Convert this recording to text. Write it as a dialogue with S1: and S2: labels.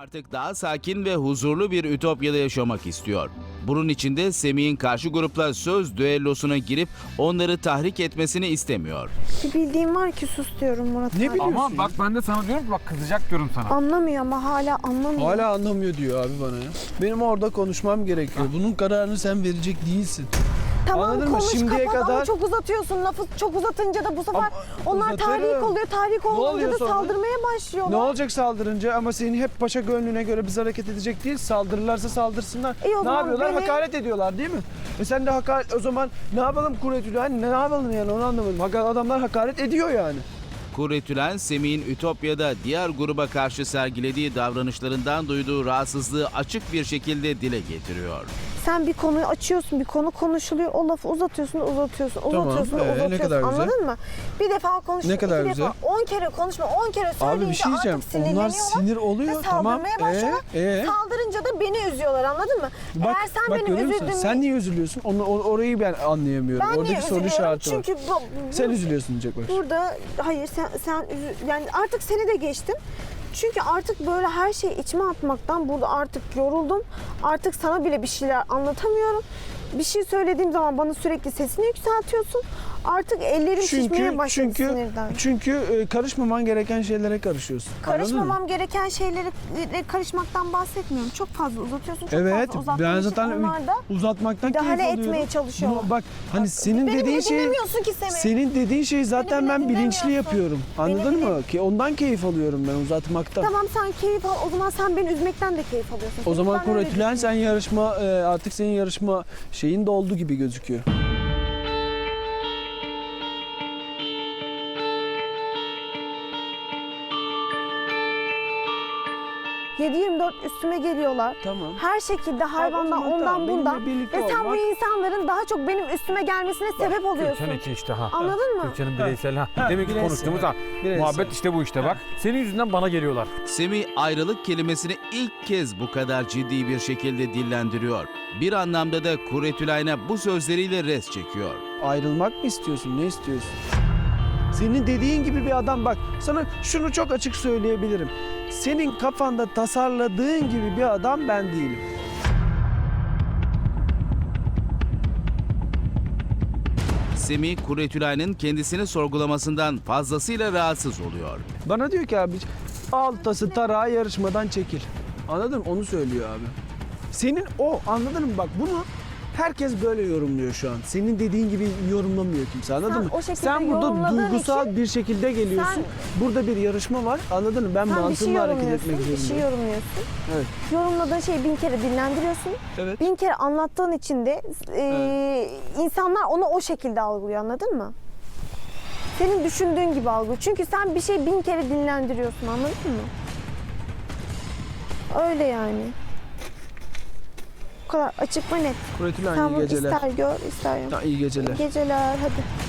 S1: artık daha sakin ve huzurlu bir ütopyada yaşamak istiyor. Bunun için de Semih'in karşı grupla söz düellosuna girip onları tahrik etmesini istemiyor.
S2: Bir bildiğim var ki sus diyorum Murat
S3: Ne
S2: abi.
S3: biliyorsun?
S4: Ama bak ben de sana diyorum ki bak kızacak diyorum sana.
S2: Anlamıyor ama hala anlamıyor.
S3: Hala anlamıyor diyor abi bana ya. Benim orada konuşmam gerekiyor. Bunun kararını sen verecek değilsin.
S2: Tamam
S3: Anladın mı?
S2: konuş
S3: Şimdiye
S2: kapat ama
S3: kadar-
S2: çok uzatıyorsun. Lafı çok uzatınca da bu sefer
S3: Ama
S2: onlar
S3: uzatırım.
S2: tahrik oluyor. Tahrik olunca
S3: oluyor
S2: da
S3: sonra?
S2: saldırmaya
S3: Ne
S2: başlıyorlar.
S3: olacak saldırınca ama senin hep paşa gönlüne göre biz hareket edecek değil. Saldırırlarsa saldırsınlar.
S2: İyi o
S3: Ne
S2: zaman
S3: yapıyorlar?
S2: beni-
S3: Hakaret ediyorlar değil mi? Sen de hakaret o zaman ne yapalım Kuretülü? Hani ne yapalım yani onu anlamadım. Adamlar hakaret ediyor yani.
S1: Kuretülen, Semih'in Ütopya'da diğer gruba karşı sergilediği davranışlarından duyduğu rahatsızlığı açık bir şekilde dile getiriyor.
S2: Sen bir konuyu açıyorsun, bir konu konuşuluyor. O lafı uzatıyorsun, uzatıyorsun,
S3: Tamam,
S2: uzatıyorsun,
S3: ne
S2: uzatıyorsun.
S3: kadar güzel.
S2: Anladın mı? Bir defa konuştun,
S3: Ne kadar
S2: iki
S3: güzel.
S2: defa, 10 kere konuşma, 10 kere söyleyince
S3: Abi bir şey diyeceğim.
S2: artık sinirleniyorlar.
S3: Onlar sinir oluyor
S2: ve
S3: tamam.
S2: saldırmaya başlıyorlar. Saldırınca da beni üzüyorlar anladın mı?
S3: Bak,
S2: Eğer sen
S3: bak
S2: benim
S3: görüyor musun?
S2: üzüldüğümü...
S3: Sen niye üzülüyorsun? orayı ben anlayamıyorum.
S2: Ben niye
S3: Oradaki soru
S2: üzülüyorum?
S3: işareti var.
S2: Çünkü
S3: Sen üzülüyorsun diyecek bak.
S2: burada hayır yani artık seni de geçtim. Çünkü artık böyle her şeyi içime atmaktan burada artık yoruldum. Artık sana bile bir şeyler anlatamıyorum. Bir şey söylediğim zaman bana sürekli sesini yükseltiyorsun. Artık ellerim şişmeye başladı sinirden.
S3: Çünkü karışmaman gereken şeylere karışıyorsun. Anladın mı?
S2: Karışmamam gereken şeylere karışmaktan bahsetmiyorum. Çok fazla uzatıyorsun. Çok
S3: Evet,
S2: fazla uzattığın
S3: ben
S2: için
S3: zaten
S2: onlar da
S3: uzatmaktan keyif
S2: müdahale
S3: alıyorum.
S2: etmeye çalışıyorlar.
S3: Bak hani senin
S2: beni
S3: dediğin
S2: bile
S3: şey
S2: dinlemiyorsun ki Semih.
S3: senin dediğin şeyi zaten
S2: bile
S3: ben bilinçli
S2: dinlemiyorsun.
S3: yapıyorum. Anladın
S2: Beni bile-
S3: mı? Ki ondan keyif alıyorum ben uzatmaktan.
S2: Tamam sen keyif al. O zaman sen beni üzmekten de keyif alıyorsun.
S3: O zaman
S2: Ben öyle
S3: Kuretülen sen yarışma artık senin yarışma şeyin doldu gibi gözüküyor.
S2: düşünüyorum. 7/24 üstüme geliyorlar.
S3: Tamam.
S2: Her şekilde hayvandan
S3: zaman
S2: ondan
S3: tamam, benimle
S2: bundan.
S3: birlikte
S2: Ve sen
S3: ol,
S2: bu
S3: bak.
S2: insanların daha çok benim üstüme gelmesine sebep oluyorsun.
S4: Türkan içi işte ha.
S2: Anladın mı?
S4: Türkan'ın bireysel ha.
S3: Ha,
S4: Demek ki
S3: bireysel,
S4: konuştuğumuz ha.
S3: bireysel.
S4: Muhabbet işte bu işte bak. Senin yüzünden bana geliyorlar.
S1: Semih ayrılık kelimesini ilk kez bu kadar ciddi bir şekilde dillendiriyor. Bir anlamda da Kuretülen'e bu sözleriyle res çekiyor.
S3: Ayrılmak mı istiyorsun? Ne istiyorsun? Senin dediğin gibi bir adam bak sana şunu çok açık söyleyebilirim. Senin kafanda tasarladığın gibi bir adam ben değilim.
S1: Semih, Kuretülen'in kendisini sorgulamasından fazlasıyla rahatsız oluyor.
S3: Bana diyor ki abi altası tarağı yarışmadan çekil. Anladın mı? Onu söylüyor abi. Senin o anladın mı? Bak bunu herkes böyle yorumluyor şu an. Senin dediğin gibi yorumlamıyor kimse anladın
S2: Sen
S3: mı?
S2: o şekilde
S3: Sen burada
S2: yorumladığın
S3: duygusal
S2: için
S3: bir şekilde geliyorsun. Burada bir yarışma var anladın mı? Ben
S2: Sen bir şey
S3: mantığımla hareket
S2: yorumluyorsun,
S3: etmek
S2: bir şey
S3: zorundayım.
S2: yorumluyorsun.
S3: Evet.
S2: Yorumladığın şeyi 1000 kere dinlendiriyorsun.
S3: Evet.
S2: 1000 kere anlattığın için de insanlar onu o şekilde algılıyor anladın mı? Senin düşündüğün gibi algılıyor. Çünkü sen bir şey 1000 kere dinlendiriyorsun anladın mı? Öyle yani. Bu kadar açık ve net.
S3: Kuretülen
S2: Sen
S3: iyi
S2: bunu
S3: geceler.
S2: ister gör ister yok.
S3: Ha, iyi geceler.
S2: İyi geceler hadi.